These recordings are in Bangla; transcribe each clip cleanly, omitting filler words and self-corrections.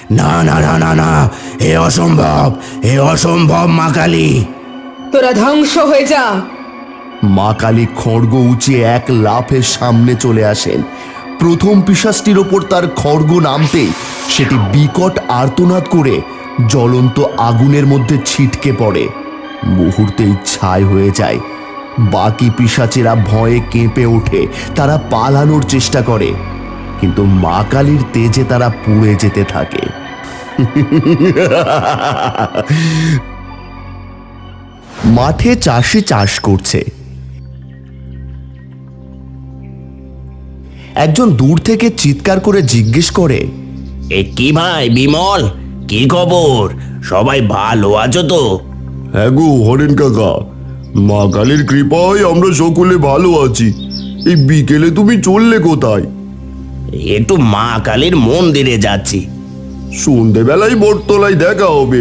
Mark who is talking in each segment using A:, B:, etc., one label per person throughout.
A: না না না না না, এ অসম্ভব, এ অসম্ভব মা কালী।
B: তোরা ধ্বংস হয়ে যা।
C: মা কালী খড়গ উঁচিয়ে এক লাফে সামনে চলে আসেন। প্রথম পিশাচটির ওপর তার খড়গ নামতেই সেটি বিকট আর্তনাদ করে জ্বলন্ত আগুনের মধ্যে ছিটকে পড়ে, মুহূর্তেই ছাই হয়ে যায়। বাকি পিশাচেরা ভয়ে কেঁপে ওঠে, তারা পালানোর চেষ্টা করে, কিন্তু মা কালীর তেজে তারা পুড়ে যেতে থাকে। মাঠে চাষি চাষ করছে। একজন দূর থেকে চিৎকার করে জিজ্ঞেস করে,
A: এ কি ভাই বিমল, কি খবর? সবাই ভালো আছো তো?
C: হ্যাঁ গো হরেন কাকা, মা কালীর কৃপায় আমরা সকলে ভালো আছি। এই বিকেলে তুমি চললে কোথায়?
A: একটু মা কালীর মন্দিরে যাচ্ছি।
C: সন্ধেবেলায় বটতলায় দেখা হবে।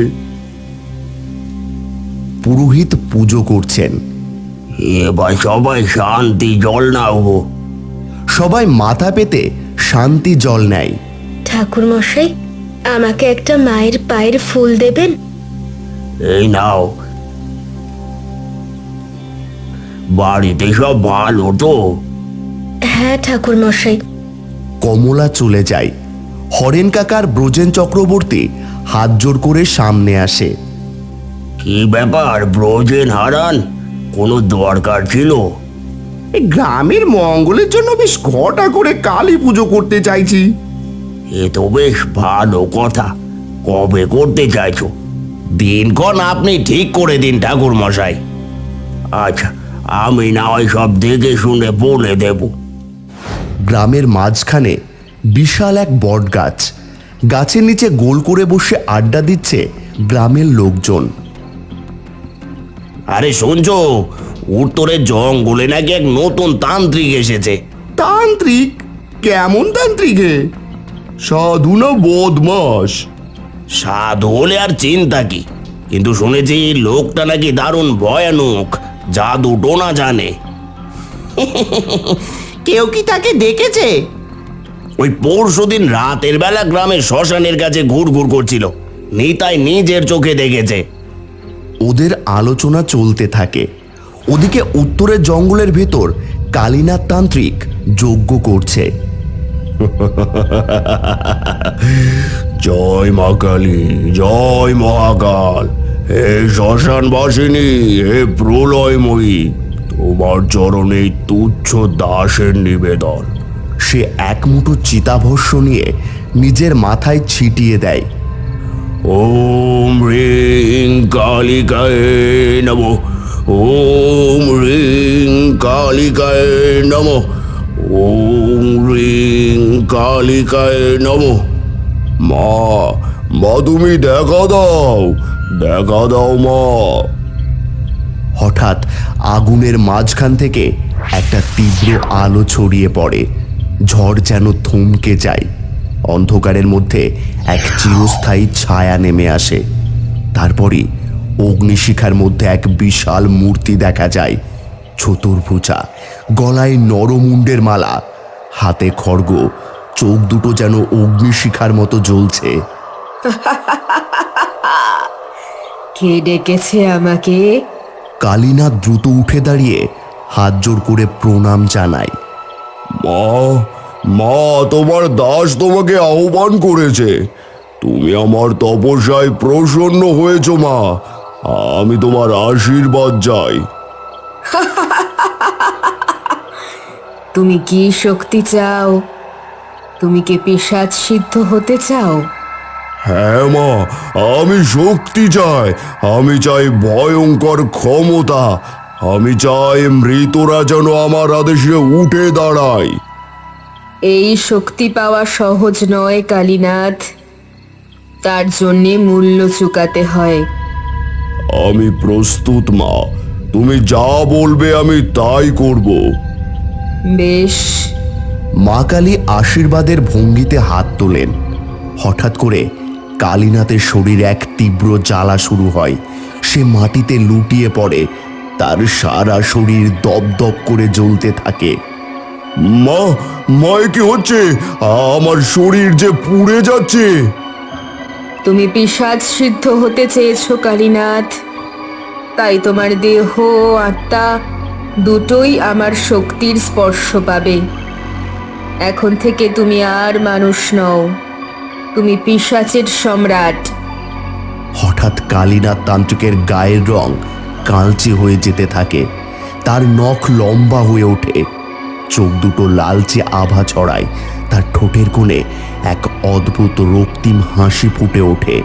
C: পুরোহিত পুজো করছেন।
A: এবার সবাই শান্তি জল নাও গো।
C: সবাই মাথা পেতে শান্তি জল নেয়।
D: ঠাকুর মশাই, আমাকে একটা মায়ের পায়ের ফুল দেবেন?
A: এই নাও। বাড়িতে সব ভালো তো?
D: হ্যাঁ ঠাকুর মশাই।
C: কমলা চলে যায়। হরেন কাকার ব্রজেন চক্রবর্তী হাত জোড় করে সামনে আসে।
A: কি ব্যাপার ব্রজেন হারান, কোনো দরকার ছিল?
C: গ্রামের মঙ্গলের জন্য বেশ ঘটা করে কালী পুজো করতে চাইছি।
A: এ তো বেশ ভালো কথা। কবে করতে চাইছো? দিনক্ষণ আপনি ঠিক করে দিন ঠাকুর মশাই। আচ্ছা, আমি না হয় সব দেখে শুনে বলে দেব।
C: গ্রামের মাঝখানে বিশাল এক বট গাছ। গাছের নিচে গোল করে বসে আড্ডা দিচ্ছে গ্রামের লোকজন।
A: আরে শুনছো, উত্তরের জঙ্গলে নাকি এক নতুন তান্ত্রিক এসেছে।
C: তান্ত্রিক? কেমন তান্ত্রিকে? সাধু না বদমাস?
A: সাধু হলে আর চিন্তা কি, কিন্তু শুনেছি লোকটা নাকি দারুণ ভয়ানক, জাদু টোনা জানে।
C: কেউ কি তাকে দেখেছে?
A: ওই পরশুদিন রাতের বেলা গ্রামের শ্মশানের কাছে ঘুরঘুর করছিল, নিতাই নিজের চোখে দেখেছে।
C: ওদের আলোচনা চলতে থাকে। ওদিকে উত্তরের জঙ্গলের ভেতর কালীনাথ তান্ত্রিক যজ্ঞ করছে।
A: জয় মা কালী, জয় মহাকাল, হে শ্মশান বাসিনী, হে প্রলয়ময়ী, তোমার চরণে তুচ্ছ দাসের নিবেদন।
C: সে এক মুঠো চিতাভস্য নিয়ে নিজের মাথায় ছিটিয়ে দেয়।
A: ওম হ্রিং কালিকায় নমঃ, ওম হ্রিং কালিকায় নমঃ, ওম হ্রিং কালিকায় নমঃ।
C: মা, মা তুমি দেখা দাও, দেখা দাও মা। হঠাৎ আগুনের মাঝখান থেকে একটা তীব্র আলো ছড়িয়ে পড়ে। ঝড় যেন থমকে যায়। অন্ধকারের মধ্যে এক চিরস্থায়ী ছায়া নেমে আসে। তারপরই অগ্নিশিখার মধ্যে এক বিশাল মূর্তি দেখা যায়। চতুর্ভুজা, গলায় নরমুণ্ডের মালা, হাতে খড়গ, চোখ দুটো যেন অগ্নিশিখার মতো জ্বলছে।
B: কে ডেকেছে আমাকে?
C: কালীনাথ দ্রুত উঠে দাঁড়িয়ে হাত জোড় করে প্রণাম জানায়। মা, মা, তোমার দাস তোমাকে আহ্বান করেছে। তুমি আমার তপস্যায় প্রসন্ন হয়েছ মা, আমি তোমার আশীর্বাদ চাই।
B: তুমি কি শক্তি চাও? তুমি কি পিশাচ সিদ্ধ হতে চাও?
C: হ্যাঁ মা, আমি শক্তি চাই, আমি চাই ভয়ঙ্কর ক্ষমতা, আমি চাই মৃতরা যেন আমার আদেশে উঠে দাঁড়ায়।
B: এই শক্তি পাওয়া সহজ নয় কালীনাথ, তার জন্যে মূল্য চুকাতে হয়।
C: আমি প্রস্তুত মা, তুমি যা বলবে আমি তাই করব।
B: বেশ।
C: মা কালী আশীর্বাদের ভঙ্গিতে হাত তোলেন। হঠাৎ করে কালীনাথের শরীরে এক তীব্র জ্বালা শুরু হয়। সে মাটিতে লুটিয়ে পড়ে। তার সারা শরীর দপদপ করে জ্বলতে থাকে। মা, মা, কি হচ্ছে? আমার শরীর যে পুড়ে যাচ্ছে।
B: তুমি পিশাচ সিদ্ধ হতে চেয়েছো কালীনাথ, তাই তোমার দেহ আত্মা দুটোই আমার শক্তির স্পর্শ পাবে। এখন থেকে তুমি আর মানুষ নও, তুমি পিশাচের সম্রাট।
C: হঠাৎ কালীনাথ তান্ত্রিকের গায়ের রং কালচে হয়ে যেতে থাকে, তার নখ লম্বা হয়ে ওঠে, চোখ দুটো লালচে আভা ছড়ায়, তার ঠোঁটের কোণে এক অদ্ভুত রক্তিম হাসি ফুটে ওঠে।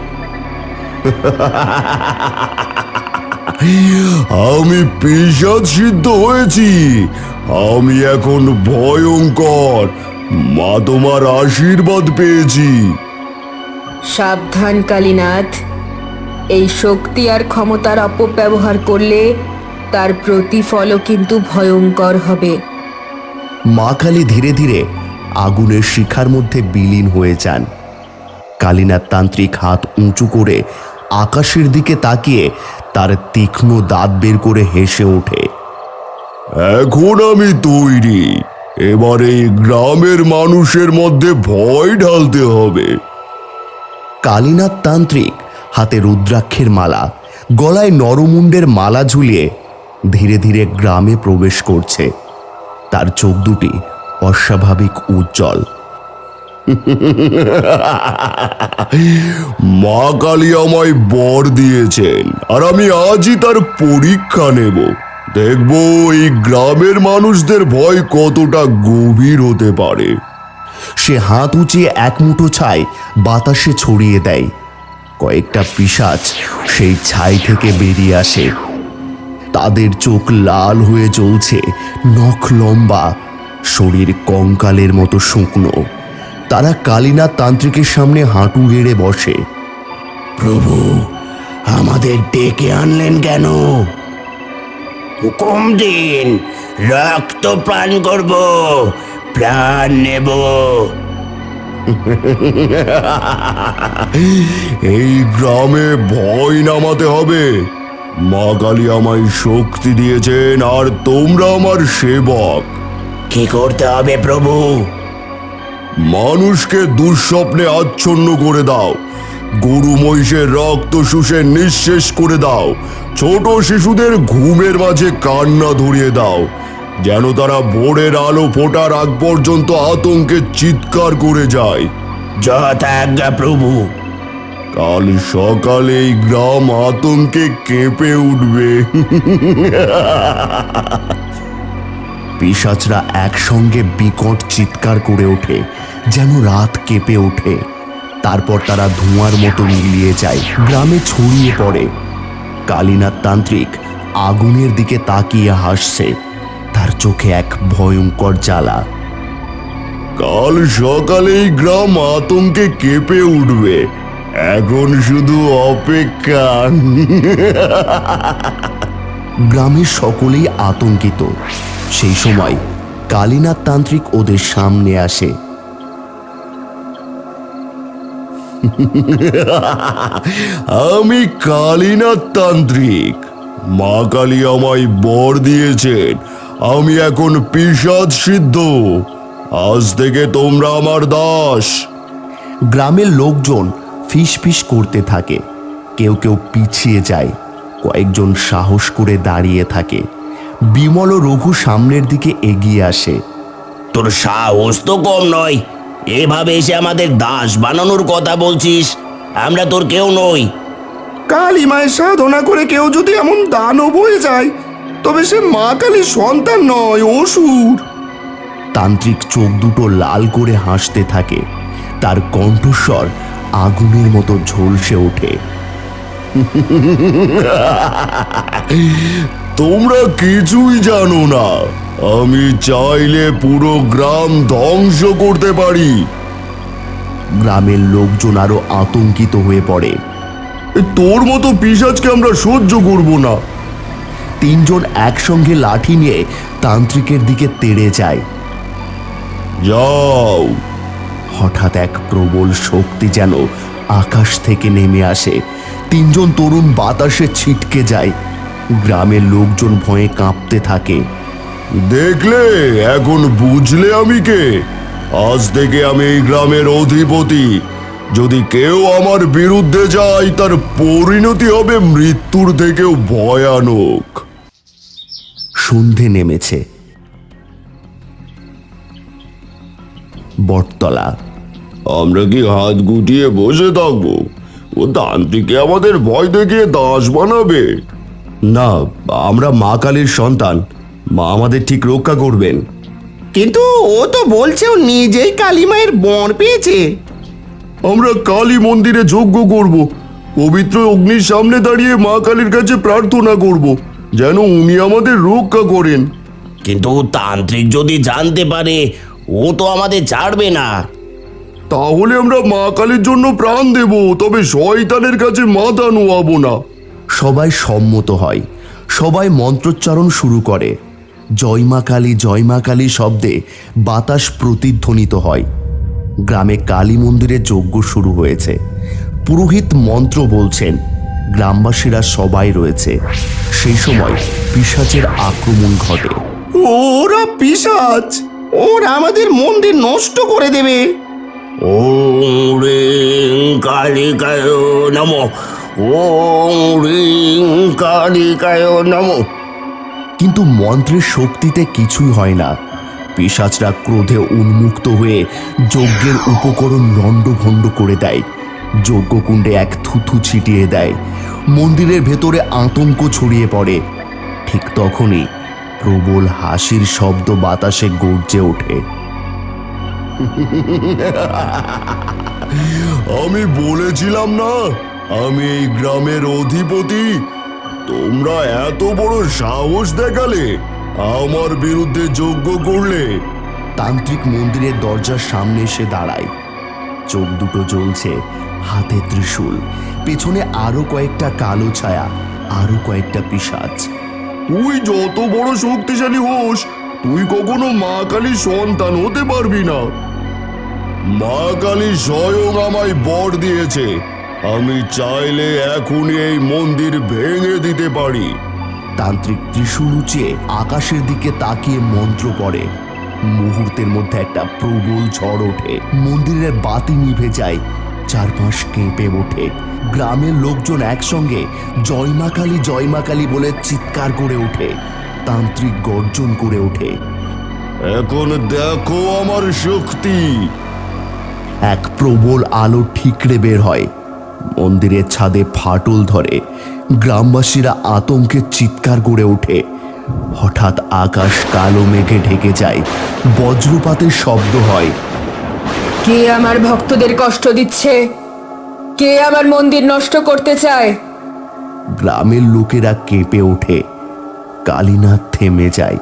A: আমি পিশাচ সিদ্ধ হয়েছি, আমি এখন ভয়ঙ্কর, মা তোমার আশীর্বাদ পেয়েছি।
B: সাবধান কালীনাথ, এই শক্তি আর ক্ষমতার অপব্যবহার করলে তার প্রতিফলও কিন্তু ভয়ঙ্কর হবে।
C: মা কালী ধীরে ধীরে আগুনের শিখার মধ্যে বিলীন হয়ে যান। কালীনাথ তান্ত্রিক হাত উঁচু করে আকাশের দিকে তাকিয়ে তার তীক্ষ্ণ দাঁত বের করে হেসে ওঠে।
A: এখন আমি তৈরি, এবার এই গ্রামের মানুষের মধ্যে ভয় ঢালতে হবে।
C: কালীনাথ তান্ত্রিক হাতে রুদ্রাক্ষের মালা, গলায় নরমুণ্ডের মালা ঝুলিয়ে ধীরে ধীরে গ্রামে প্রবেশ করছে। তার চোখ দুটি অস্বাভাবিক উজ্জ্বল।
A: মা কালী আমায় বর দিয়েছেন, আর আমি আজই তার পরীক্ষা নেব। দেখব এই গ্রামের মানুষদের ভয় কতটা গভীর হতে পারে।
C: সে হাত উঁচিয়ে এক মুঠো ছাই বাতাসে ছড়িয়ে দেয়। কয়েকটা পিশাচ সেই ছাই থেকে বেরিয়ে আসে। তাদের চোখ লাল হয়ে জ্বলছে, নখ লম্বা, শরীর কঙ্কালের মতো শুকনো। তারা কালীনাথ তান্ত্রিকের সামনে হাঁটু গেড়ে বসে।
A: প্রভু, আমাদের ডেকে আনলেন কেন? হুকুম দিন, রক্ত পান করব, প্রাণ নেব। এই গ্রামে ভয় নামাতে হবে। মা কালী আমায় শক্তি দিয়েছেন, আর তোমরা আমার সেবক। কি করতে হবে প্রভু? মানুষকে দুঃস্বপ্নে আচ্ছন্ন করে দাও, গরু মহিষের রক্ত শুষে নিঃশেষ করে দাও, ছোট শিশুদের ঘুমের মাঝে কান্না ধরিয়ে দাও, যেন তারা ভোরের আলো ফোটার আগ পর্যন্ত আতঙ্কে চিৎকার করে যায়। যথাজ্ঞা প্রভু। কাল সকালে এই গ্রাম আতঙ্কে কেঁপে উঠবে।
C: পিশাচরা একসঙ্গে বিকট চিৎকার করে ওঠে, যেন রাত কেঁপে ওঠে। তারপর তারা ধোঁয়ার মতো মিলিয়ে যায়, গ্রামে ছড়িয়ে পড়ে। কালীনাথ তান্ত্রিক আগুনের দিকে তাকিয়ে হাসছে, তার চোখে এক ভয়ঙ্কর জ্বালা।
A: কাল সকালেই গ্রাম আতঙ্কে কেঁপে উঠবে, এখন শুধু অপেক্ষা।
C: গ্রামের সকলেই আতঙ্কিত। সেই সময় কালীনাথ তান্ত্রিক ওদের সামনে আসে।
A: আমি কালীনাথ তান্ত্রিক, মা কালী আমায় বর দিয়েছেন, আমি এখন পিশাচ সিদ্ধ। আজ থেকে তোমরা আমার দাস।
C: গ্রামের লোকজন ফিসফিস করতে থাকে, কেউ কেউ পিছিয়ে যায়, কয়েকজন সাহস করে দাঁড়িয়ে থাকে। বিমল ও রঘু সামনের দিকে এগিয়ে আসে।
A: তোর সাহস তো কম নয়, এভাবে এসে আমাদের দাস বানানোর কথা বলছিস? আমরা তোর কেউ নই।
E: কালী মায়ের সাধনা করে কেউ যদি এমন দানব হয়ে যায়, তবে সে মা কালীর সন্তান নয়, অসুর।
C: তান্ত্রিক চোখ দুটো লাল করে হাসতে থাকে, তার কণ্ঠস্বর আগুনের মতো ঝলসে ওঠে।
A: তোমরা কিছুই জানো না, আমি চাইলে পুরো গ্রাম ধ্বংস করতে পারি।
C: গ্রামের লোকজন আরো আতঙ্কিত হয়ে পড়ে।
A: তোর মতো পিশাচকে আমরা সহ্য করব না।
C: তিনজন একসঙ্গে লাঠি নিয়ে তান্ত্রিকের দিকে তেড়ে যায়।
A: যাও।
C: হঠাৎ এক প্রবল শক্তি যেন আকাশ থেকে নেমে আসে, তিনজন তরুণ বাতাসে ছিটকে যায়। গ্রামের লোকজন ভয়ে কাঁপতে থাকে।
A: দেখলে, এখন বুঝলে আমি কে? আজ থেকে আমি এই গ্রামের অধিপতি।
E: যদি কেউ আমার বিরুদ্ধে যায় তার পরিণতি হবে মৃত্যুর থেকেও ভয়ানক।
C: সন্ধে নেমেছে। বটতলা।
E: আমরা কি হাত গুটিয়ে বসে থাকবো? ও তান্ত্রিকে আমাদের ভয় দেখিয়ে দাস বানাবে।
C: না, আমরা মা কালীর সন্তান, মা আমাদের ঠিক রক্ষা করবেন।
A: কিন্তু ও তো বলছে ও নিজেই কালীমায়ের বর পেয়েছে।
E: আমরা কালী মন্দিরে যজ্ঞ করব, পবিত্র অগ্নির সামনে দাঁড়িয়ে মা কালীর কাছে প্রার্থনা করব যেন উনি আমাদের রক্ষা করেন।
A: কিন্তু তান্ত্রিক যদি জানতে পারে, ও তো আমাদের ছাড়বে না।
E: তাহলে আমরা মা কালীর জন্য প্রাণ দেব, তবে শয়তানের কাছে মাথা নোয়াবো না।
C: সবাই সম্মত হয়। সবাই মন্ত্রোচ্চারণ শুরু করে। জয় মা কালী শব্দে বাতাস প্রতিধ্বনিত হয়। গ্রামে কালী মন্দিরে যজ্ঞ শুরু হয়েছে। পুরোহিত মন্ত্র বলছেন, গ্রামবাসীরা সবাই রয়েছে। সেই সময় পিশাচের আক্রমণ ঘটে।
A: ওরা পিশাচ, ওরা আমাদের মন্দির নষ্ট করে দেবে। ওম রিং কালিকায় নমঃ, ওম রিং কালিকায় নমঃ।
C: কিন্তু মন্ত্রের শক্তিতে কিছুই হয় না। পিশাচরা ক্রোধে উন্মুক্ত হয়ে যজ্ঞের উপকরণ লণ্ডভণ্ড করে দেয়। যজ্ঞকুণ্ডে এক থুথু ছিটিয়ে দেয়। মন্দিরের ভেতরে আতঙ্ক ছড়িয়ে পড়ে। ঠিক তখনই প্রবল হাসির শব্দ বাতাসে গর্জে ওঠে।
E: আমি বলেছিলাম না আমি এই গ্রামের অধিপতি। তোমরা এত বড় সাহস দেখালে, আমার বিরুদ্ধে যজ্ঞ করলে।
C: তান্ত্রিক মন্দিরের দরজার সামনে এসে দাঁড়ায়। চোখ দুটো জ্বলছে, হাতে ত্রিশূল, পেছনে আরো কয়েকটা কালো ছায়া, আরো কয়েকটা পিশাচ।
E: তুই যত বড় শক্তিশালী হোস, তুই কখনো মা কালীর সন্তান হতে পারবি না। মা কালী স্বয়ং আমায় বর দিয়েছে, আমি চাইলে এখনই এই মন্দির ভেঙে দিতে পারি।
C: তান্ত্রিক ত্রিশূল উঁচিয়ে আকাশের দিকে তাকিয়ে মন্ত্র পড়ে। মুহূর্তের মধ্যে একটা প্রবল ঝড় ওঠে। মন্দিরের বাতি নিভে যায়, চারপাশ কেঁপে ওঠে। গ্রামের লোকজন একসঙ্গে জয় মা কালী বলে চিৎকার করে ওঠে। তান্ত্রিক গর্জন করে ওঠে,
E: এখন দেখো আমার শক্তি।
C: এক প্রবল আলো ঠিকরে বের হয়। মন্দিরের ছাদে ফাটল ধরে। গ্রামবাসীরা আতঙ্কে চিৎকার করে ওঠে। হঠাৎ আকাশ কালো মেঘে ঢেকে যায়। বজ্রপাতের শব্দ হয়।
B: কে আমার ভক্তদের কষ্ট দিচ্ছে? কে আমার মন্দির নষ্ট করতে চায়?
C: গ্রামের লোকেরা কেঁপে ওঠে। কালীনাথ থেমে যায়।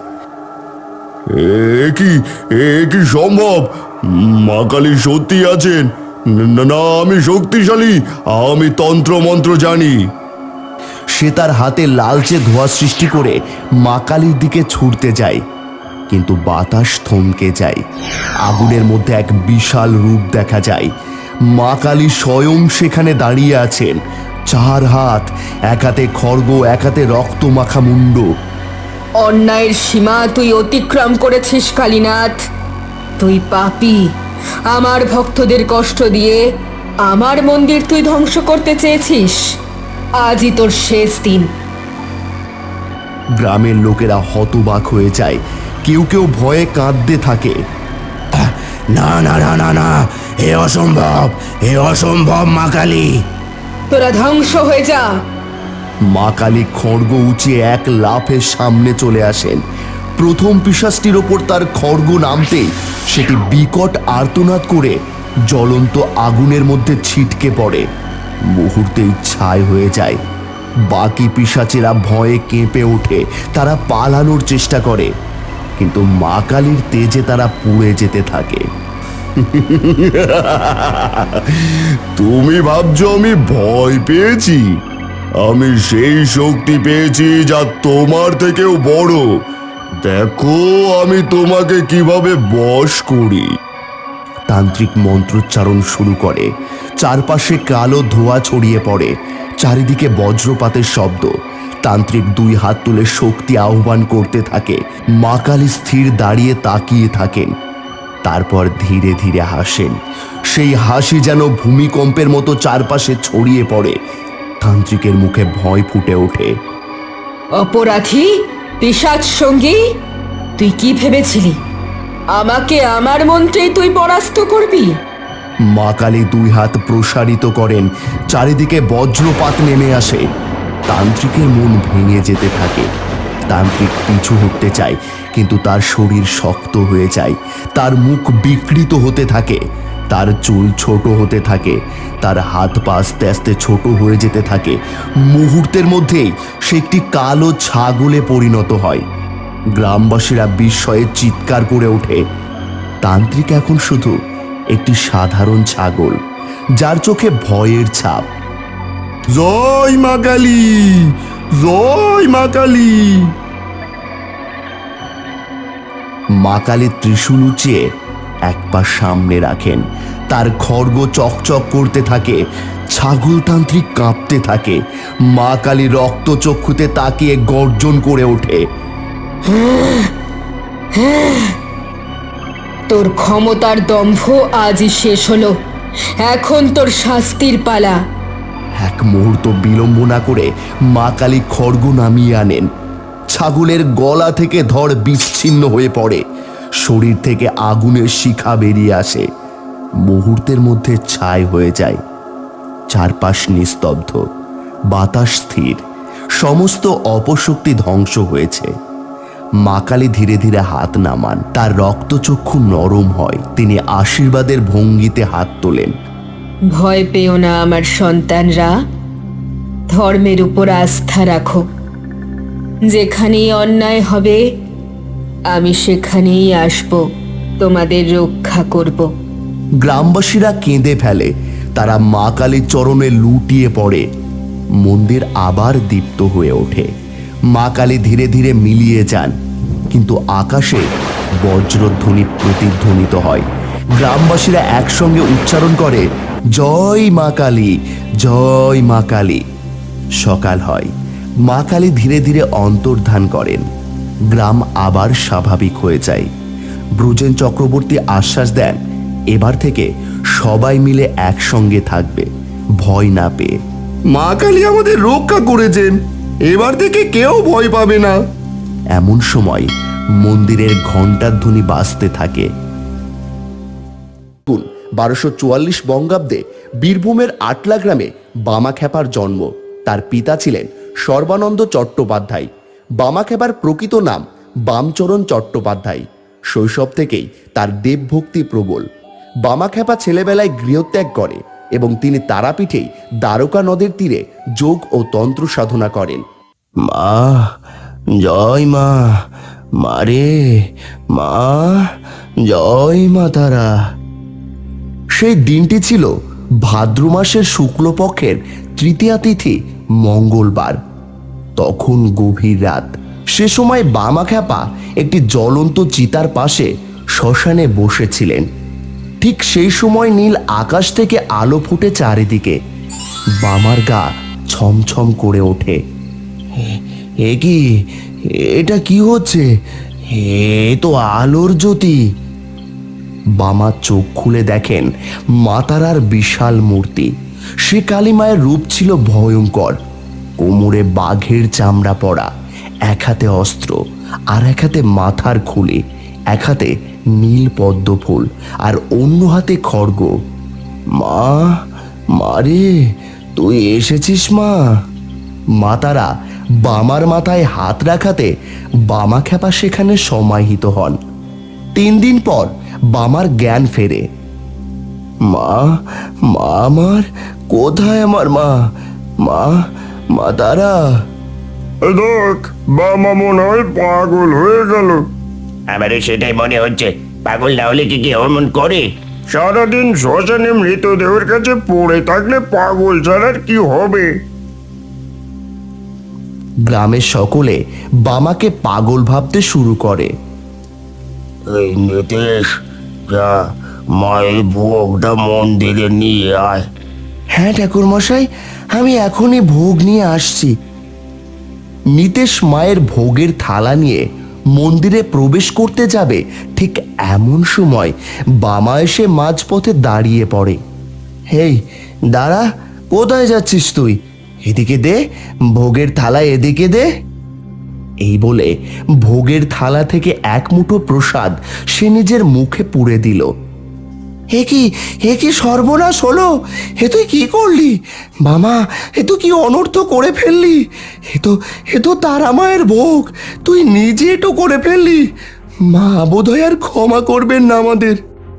E: এ কি সম্ভব? মা কালী সত্যি আছেন? না, আমি শক্তিশালী, আমি তন্ত্র মন্ত্র জানি।
C: সে তার হাতে লালচে ধোঁয়া সৃষ্টি করে মা কালীর দিকে ছুটতে যায়। কিন্তু বাতাস থমকে যায়। আগুনের মধ্যে এক বিশাল রূপ দেখা যায়। মা কালী স্বয়ং সেখানে দাঁড়িয়ে আছেন। চার হাত, এক হাতে খড়গ, এক হাতে রক্ত মাখা মুন্ড।
B: অন্যায়ের সীমা তুই অতিক্রম করেছিস কালীনাথ। তুই পাপী। আমার ভক্তদের কষ্ট দিয়ে আমার মন্দির তুই ধ্বংস করতে চেয়েছিস। আজই তোর শেষ দিন।
C: গ্রামের লোকেরা হতবাক হয়ে যায়। কেউ কেউ ভয়ে কাঁদতে থাকে।
A: না না না না না, এ অসম্ভব, এ অসম্ভব মা কালী।
B: তোরা ধ্বংস হয়ে যা।
C: মা কালী খড়গ উঁচিয়ে এক লাফে সামনে চলে আসেন। প্রথম পিশাচটির ওপর তার খড়গ নামতেই সেটি বিকট আর্তনাদ করে জ্বলন্ত আগুনের মধ্যে ছিটকে পড়ে। মুহূর্তেই ছাই হয়ে যায়। বাকি পিশাচেরা ভয়ে কেঁপে ওঠে। তারা পালানোর চেষ্টা করে, কিন্তু মা কালীর তেজে তারা পুড়ে যেতে থাকে।
E: তুমি ভাবছো আমি ভয় পেয়েছি? আমি সেই শক্তি পেয়েছি যা তোমার থেকেও বড়। দেখো আমি তোমাকে কিভাবে বশ করি।
C: তান্ত্রিক মন্ত্রোচ্চারণ শুরু করে। চারপাশে কালো ধোঁয়া ছড়িয়ে পড়ে। চারিদিকে বজ্রপাতের শব্দ। তান্ত্রিক দুই হাত তুলে শক্তি আহ্বান করতে থাকে। মা কালী স্থির দাঁড়িয়ে তাকিয়ে থাকেন। তারপর ধীরে ধীরে হাসেন। সেই হাসি যেন ভূমিকম্পের মতো চারপাশে ছড়িয়ে পড়ে। তান্ত্রিকের মুখে ভয় ফুটে ওঠে।
B: অপরাধী, পিশাচ সঙ্গী, তুই কি ভেবেছিলি আমাকে আমার মন্ত্রেই তুই পরাস্ত করবি?
C: মা কালী দুই হাত প্রসারিত করেন, চারিদিকে বজ্রপাত নেমে আসে। তান্ত্রিকের মন ভেঙে যেতে থাকে। তান্ত্রিক পিছু হটতে চায়, কিন্তু তার শরীর শক্ত হয়ে যায়। তার মুখ বিকৃত হতে থাকে, তার চুল ছোট হতে থাকে, তার হাত পা আস্তে আস্তে ছোট হয়ে যেতে থাকে। মুহূর্তের মধ্যেই সে একটি কালো ছাগলে পরিণত হয়। গ্রামবাসীরা বিস্ময়ে চিৎকার করে ওঠে। তান্ত্রিক এখন শুধু একটি সাধারণ ছাগল, যার চোখে ভয়ের ছাপ।
E: জয় মা কালী, জয় মা কালী।
C: মা কালী ত্রিশূল উঁচিয়ে এক পা সামনে রাখেন। তার খড়গ চকচক করতে থাকে। ছাগলতান্ত্রিক কাঁপতে থাকে। মা কালী রক্তচক্ষুতে তাকিয়ে গর্জন করে ওঠে।
B: তোর ক্ষমতার দম্ভ আজই শেষ হলো। এখন তোর শাস্তির পালা।
C: এক মুহূর্ত বিলম্ব না করে মা কালী খড়গ নামিয়ে আনেন। ছাগলের গলা থেকে ধড় বিচ্ছিন্ন হয়ে পড়ে। শরীর থেকে আগুনের শিখা বেরিয়ে আসে। মুহূর্তের মধ্যে ছাই হয়ে যায়। চারপাশ নিস্তব্ধ, বাতাস স্থির, সমস্ত অপশক্তি ধ্বংস হয়েছে। মা কালী ধীরে ধীরে হাত নামান। তার রক্তচক্ষু নরম হয়। তিনি আশীর্বাদের ভঙ্গিতে হাত তোলেন।
B: ভয় পেও না আমার সন্তানরা, ধর্মের উপর আস্থা রাখো। যেখানেই অন্যায় হবে আমি সেখানেই আসব, তোমাদের রক্ষা করব।
C: গ্রামবাসীরা কেঁদে ফেলে। তারা মা কালীর চরণে লুটিয়ে পড়ে। মন্দির আবার দীপ্ত হয়ে ওঠে। মা কালী ধীরে ধীরে মিলিয়ে যান, কিন্তু আকাশে বজ্রধ্বনি প্রতিধ্বনিত হয়। গ্রামবাসীরা একসঙ্গে উচ্চারণ করে, জয় মা কালী, জয় মা কালী। সকাল হয়। মা কালী ধীরে ধীরে অন্তর্ধান করেন। গ্রাম আবার স্বাভাবিক হয়ে যায়। ব্রজেন চক্রবর্তী আশ্বাস দেন, এবার থেকে সবাই মিলে একসঙ্গে থাকবে, ভয় না পেয়ে।
E: মা কালী আমাদের রক্ষা করেছেন, এবার থেকে কেউ ভয় পাবে না।
C: এমন সময় মন্দিরের ঘণ্টার ধ্বনি বাজতে থাকে। 1244 বঙ্গাব্দে বীরভূমের আটলা গ্রামে বামাখ্যাপার জন্ম। তার পিতা ছিলেন সর্বানন্দ চট্টোপাধ্যায়। বামাখ্যাপার প্রকৃত নাম বামচরণ চট্টোপাধ্যায়। শৈশব থেকেই তার দেবভক্তি প্রবল। বামাখ্যাপা ছেলেবেলায় গৃহত্যাগ করে এবং তিনি তারাপীঠেই দ্বারকা নদের তীরে যোগ ও তন্ত্র সাধনা করেন। মা, জয় মা, মারে মা, জয় মা তারা। সেই দিনটি ছিল ভাদ্র মাসের শুক্লপক্ষের তৃতীয়া তিথি, মঙ্গলবার। তখন গভীর রাত। সে সময় বামাখ্যাপা একটি জ্বলন্ত চিতার পাশে শ্মশানে বসেছিলেন। ঠিক সেই সময় নীল আকাশ থেকে আলো ফুটে চারিদিকে। বামার গা ছমছম করে ওঠে। এ কি, এটা কি হচ্ছে? এ তো আলোর জ্যোতি। বামা চোখ খুলে দেখেন মাতারার বিশাল মূর্তি। সে কালীমায়ের রূপ ছিল ভয়ঙ্কর। কোমরে বাঘের চামড়া পরা, এক হাতে অস্ত্র আর এক হাতে মাথার খুলি, এক হাতে নীল পদ্ম ফুল আর অন্য হাতে খড়গ। মা, মারে, তুই এসেছিস মা? মাতারা বামার মাথায় হাত রাখাতে বামাখ্যাপা সেখানে সমাহিত হন। 3 দিন পর বামার জ্ঞান ফেরে। মা, মা আমার, কোথায় আমার মা? মা, মা তারা।
E: দেখ, বাবা মনে হয় পাগল হয়ে গেল।
A: আমারও সেটাই মনে হচ্ছে। পাগল না হলে কি অমন করে?
E: সারাদিন শ্মশানে মৃতদেহের কাছে পড়ে থাকলে পাগল ছাড়ার কি হবে?
C: গ্রামের সকলে বামাকে পাগল ভাবতে শুরু করে।
A: এই নীতিশ, যা মায়ের ভোগটা মন্দিরে নিয়ে আয়।
C: হ্যাঁ ঠাকুর মশাই, আমি এখনই ভোগ নিয়ে আসছি। নিতেশ মায়ের ভোগের থালা নিয়ে মন্দিরে প্রবেশ করতে যাবে ঠিক এমন সময় বামা এসে মাঝপথে দাঁড়িয়ে পড়ে। হেই দাঁড়া, কোথায় যাচ্ছিস তুই? এদিকে দে, ভোগের থালা এদিকে দে। এই বলে ভোগের থালা থেকে এক মুঠো প্রসাদ সে নিজের মুখে পুরে দিল। হে কি সর্বনাশ হলো! হে তুই কি করলি মামা? এ তো কি অনর্থ করে ফেললি! এ তো তারা মায়ের ভোগ, তুই নিজে এটো করে ফেললি। মা বোধহয় আর ক্ষমা করবেন না আমাদের।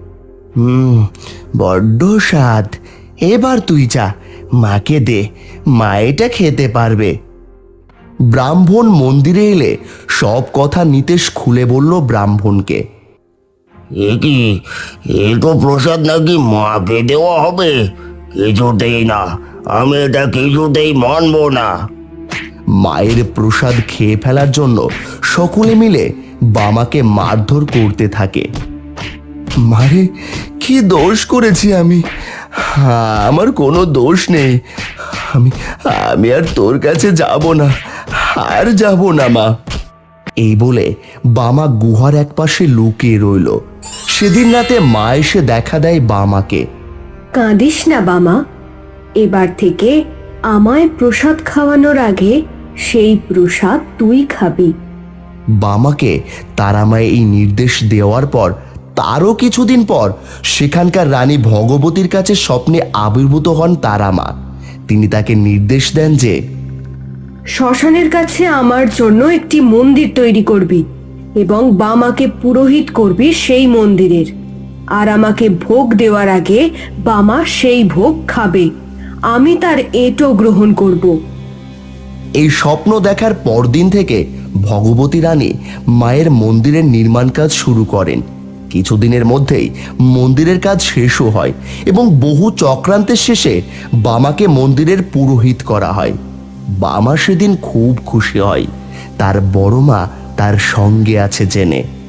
C: বড্ড স্বাদ। এবার তুই যা, মাকে দে, মা এটা খেতে পারবে। ব্রাহ্মণ মন্দিরে এলে সব কথা নিতেশ খুলে বলল ব্রাহ্মণকে।
A: এ কি, এ তো প্রসাদ নাকি মাকে দেওয়া হবে? কিছুতেই না, আমি এটা কিছুতেই মানবো না।
C: মায়ের প্রসাদ খেয়ে ফেলার জন্য সকলে মিলে বামাকে মারধর করতে থাকে। মারে, কি দোষ করেছি আমি? আমার কোনো দোষ নেই। আমি আর তোর কাছে যাব না, আর যাব না মা। এই বলে বামা গুহার এক পাশে লুকিয়ে রইল। সেদিন রাতে মা এসে দেখা দেয় বামাকে।
F: কাঁদিস না বামা, এবার থেকে আমায় প্রসাদ খাওয়ানোর আগে সেই প্রসাদ তুই খাবি।
C: বামাকে তারামায় এই নির্দেশ দেওয়ার পর তারও কিছুদিন পর সেখানকার রানী ভগবতীর কাছে স্বপ্নে আবির্ভূত হন তারামা। তিনি তাকে নির্দেশ দেন যে
F: শ্মশানের কাছে আমার জন্য একটি মন্দির তৈরি করবি এবং বামাকে পুরোহিত করবি সেই মন্দিরের। আর আমাকে ভোগ দেওয়ার আগে বামা সেই ভোগ খাবে, আমি তার এটো গ্রহণ করব।
C: এই স্বপ্ন দেখার পরদিন থেকে ভগবতী রানী মায়ের মন্দিরের নির্মাণ কাজ শুরু করেন। কিছুদিনের মধ্যেই মন্দিরের কাজ শেষও হয় এবং বহু চক্রান্তের শেষে বামাকে মন্দিরের পুরোহিত করা হয়। বামা সেদিন খুব খুশি হয়, তার বড় মা তার সঙ্গে আছে জেনে।